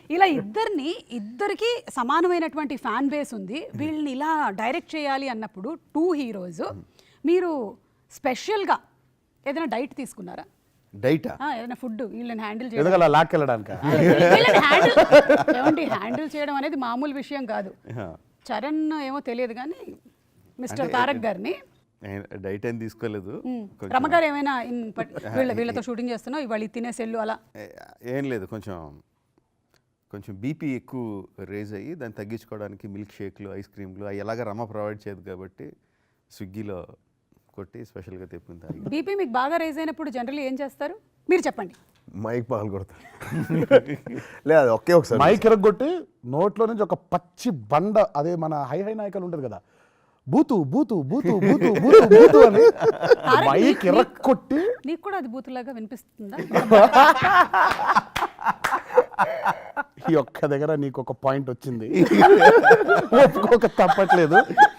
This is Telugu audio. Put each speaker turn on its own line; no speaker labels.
ఇలా ఇద్దరికి సమానమైనటువంటి ఫ్యాన్ బేస్ ఉంది. వీళ్ళని ఇలా డైరెక్ట్ చేయాలి అన్నప్పుడు 2 హీరోస్ మీరు స్పెషల్గా ఏదైనా డైట్ తీసుకున్నారా?
డైటా?
ఏదైనా ఫుడ్ వీళ్ళని హ్యాండిల్
ఎందుకలా లాక్కెళ్ళడానికి
హ్యాండిల్ చేయడం అనేది మామూలు విషయం కాదు. చరణ్ ఏమో తెలియదు కానీ మిస్టర్ తారక్ గారిని
డైట్ ఏం తీసుకోలేదు.
రమగారు ఏమైనా వీళ్ళతో షూటింగ్ చేస్తున్నావు ఇవాళ తినే సెల్లు అలా
ఏం లేదు, కొంచెం బీపీ ఎక్కువ రేజ్ అయ్యి దాన్ని తగ్గించుకోవడానికి మిల్క్ షేక్లు, ఐస్ క్రీమ్లు అవి ఎలాగ రమ ప్రొవైడ్ చేయదు కాబట్టి స్విగ్గీలో కొట్టి స్పెషల్గా తెప్పుకుంటారు.
బీపీ మీకు బాగా రేజ్ అయినప్పుడు జనరల్లీ ఏం చేస్తారు మీరు చెప్పండి?
మైక్ పగలు కొడతారు. లేదు ఒకే ఒకసారి
మైక్ ఎరగొట్టి నోట్లో నుంచి ఒక పచ్చి బండ, అదే మన హై నాయకులు ఉంటుంది కదా, బూతు బూతు బూతు బూతు బూతు బూతు అని మైక్ ఎరక్కొట్టి.
నీకు కూడా అది బూతులాగా వినిపిస్తుందా?
ఈ ఒక్క దగ్గర నీకు ఒక పాయింట్ వచ్చింది, ఒప్పుకోక తప్పట్లేదు.